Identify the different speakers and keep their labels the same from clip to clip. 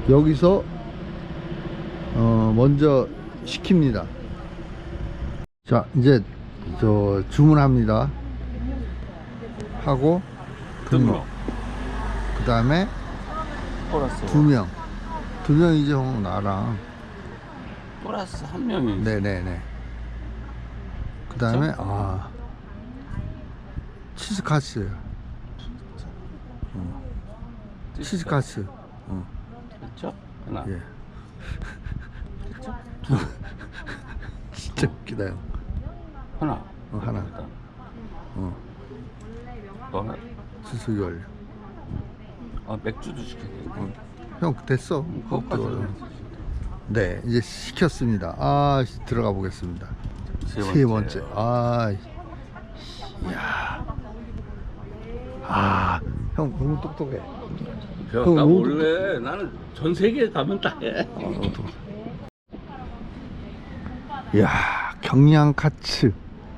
Speaker 1: 여기서 먼저 시킵니다. 자, 이제 저 주문합니다. 하고 등록. 그 다음에
Speaker 2: 플러스
Speaker 1: 두 명이지 형. 나랑
Speaker 2: 플러스 한 명이.
Speaker 1: 네네네. 그 다음에 치즈카츠. 치즈카츠.
Speaker 2: 그렇죠? 하나.
Speaker 1: 예.
Speaker 2: 그렇죠?
Speaker 1: 진짜 웃기다 형.
Speaker 2: 하나.
Speaker 1: 하나.
Speaker 2: 또 하나.
Speaker 1: 수수기 완료.
Speaker 2: 맥주도 시켰네.
Speaker 1: 형 됐어.
Speaker 2: 그것까지.
Speaker 1: 네, 이제 시켰습니다. 들어가 보겠습니다. 세 번째. 이야. 형 너무 똑똑해.
Speaker 2: 나
Speaker 1: 너무
Speaker 2: 원래 나는 전 세계에 가면 다 해.
Speaker 1: 이야, 경량 카츠.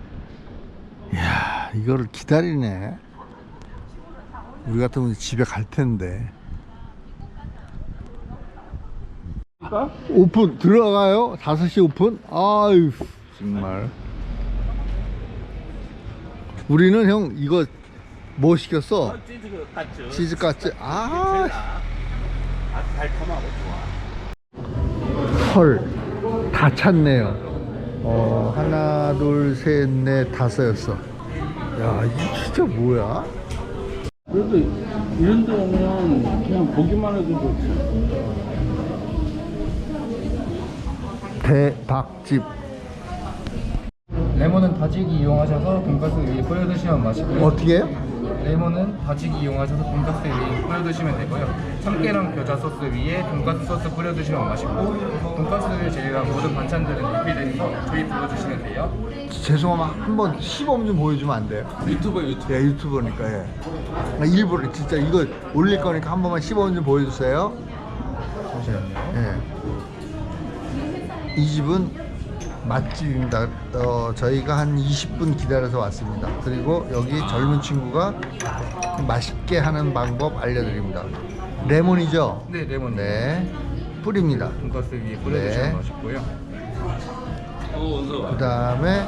Speaker 1: 이야, 이거를 기다리네. 우리 같으면 집에 갈 텐데. 오픈 들어가요? 5시 오픈? 아유 정말. 우리는 형 이거 뭐 시켰어? 치즈까치.
Speaker 2: 달콤하고 좋아.
Speaker 1: 헐, 다 찼네요. 하나 둘 셋 넷 다섯였어. 야, 이게 진짜 뭐야?
Speaker 2: 그래도 이런 데 오면 그냥 보기만 해도 좋지.
Speaker 1: 대박집.
Speaker 3: 레몬은 다지기 이용하셔서 돈가스 위에 뿌려 드시면 맛있고요.
Speaker 1: 어떻게 해요?
Speaker 3: 레몬은 다지기 이용하셔서 돈가스 위에 뿌려 드시면 되고요. 참깨랑 겨자 소스 위에 돈가스 소스 뿌려 드시면 맛있고, 돈가스를 제외한 모든 반찬들은 리필돼서 저희 불러 주시면 돼요.
Speaker 1: 죄송하면 한번 시범 좀 보여주면 안 돼요?
Speaker 2: 유튜버.
Speaker 1: 예, 유튜버니까. 예. 나 일부러 진짜 이거 올릴 거니까 한 번만 시범 좀 보여주세요.
Speaker 3: 잠시만요.
Speaker 1: 예. 이 집은 맛집입니다. 저희가 한 20분 기다려서 왔습니다. 그리고 여기 젊은 친구가 맛있게 하는 방법 알려드립니다. 레몬이죠?
Speaker 3: 네, 레몬.
Speaker 1: 네, 뿌립니다.
Speaker 3: 돈가스 위에 뿌려
Speaker 1: 네.
Speaker 3: 드시면 맛있고요.
Speaker 1: 그 다음에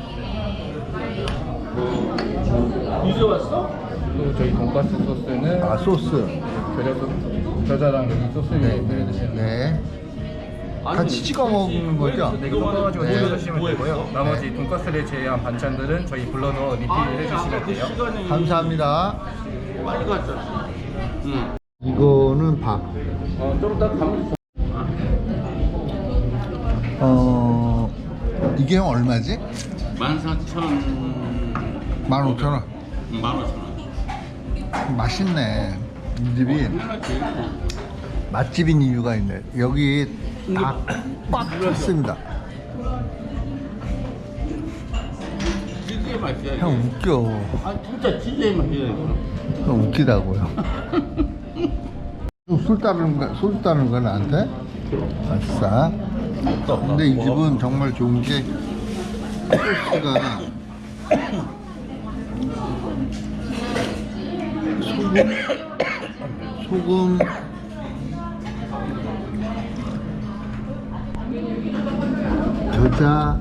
Speaker 2: 이제 왔어?
Speaker 3: 또 저희 돈가스 소스는
Speaker 1: 소스.
Speaker 3: 겨자랑 여기 소스 위에 뿌려 드시면 돼요.
Speaker 1: 네. 같이 찍어 먹는 거죠?
Speaker 3: 네, 이거 섞어가지고 뿌려 드시면 되고요. 나머지 돈가스를 제외한 반찬들은 저희 불러서 리필해 주시면 돼요.
Speaker 1: 감사합니다.
Speaker 2: 빨리 갔잖아. 응.
Speaker 1: 이거는 밥.
Speaker 2: 좀 이따 가면
Speaker 1: 이게 형 얼마지?
Speaker 2: 14,000.
Speaker 1: 15,000원.
Speaker 2: 15,000원.
Speaker 1: 맛있네. 이 집이 맛집인 이유가 있네. 여기 다 꽉 찼습니다.
Speaker 2: 진짜 맛있어.
Speaker 1: 형 웃겨.
Speaker 2: 진짜 진짜 맛있어.
Speaker 1: 형 웃기다고요. 술 따르는 거 나한테? 아싸. 근데 이 집은 정말 좋은 게 소스가 소금 겨자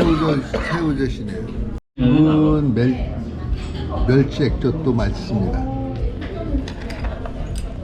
Speaker 1: 새우젓이네요. 이건 멸치 액젓도 맛있습니다.